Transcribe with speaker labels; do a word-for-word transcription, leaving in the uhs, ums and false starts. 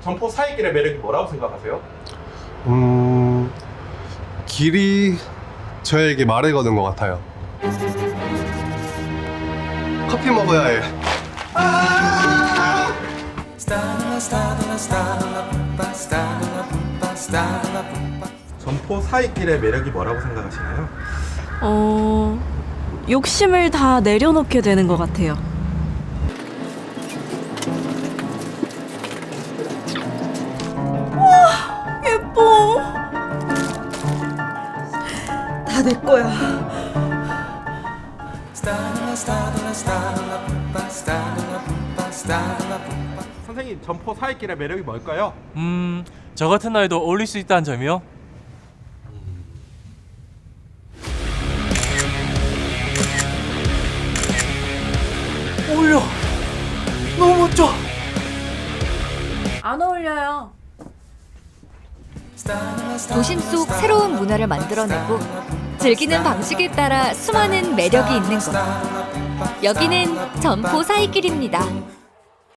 Speaker 1: 점포 사이길의 매력이 뭐라고 생각하세요?
Speaker 2: 음... 길이 저에게 말을 거는 것 같아요. 커피 먹어야 해.
Speaker 1: 점포 사이길의 매력이 뭐라고 생각하시나요?
Speaker 3: 어... 욕심을 다 내려놓게 되는 것 같아요. 와, 예뻐. 다 내 거야.
Speaker 1: 선생님, 점포 사이길의 매력이 뭘까요?
Speaker 4: 음, 저 같은 나이도 어울릴 수 있다는 점이요? 어울려! 너무 멋져!
Speaker 3: 안 어울려요.
Speaker 5: 도심 속 새로운 문화를 만들어내고 즐기는 방식에 따라 수많은 매력이 있는 곳. 여기는 점포 사이길입니다.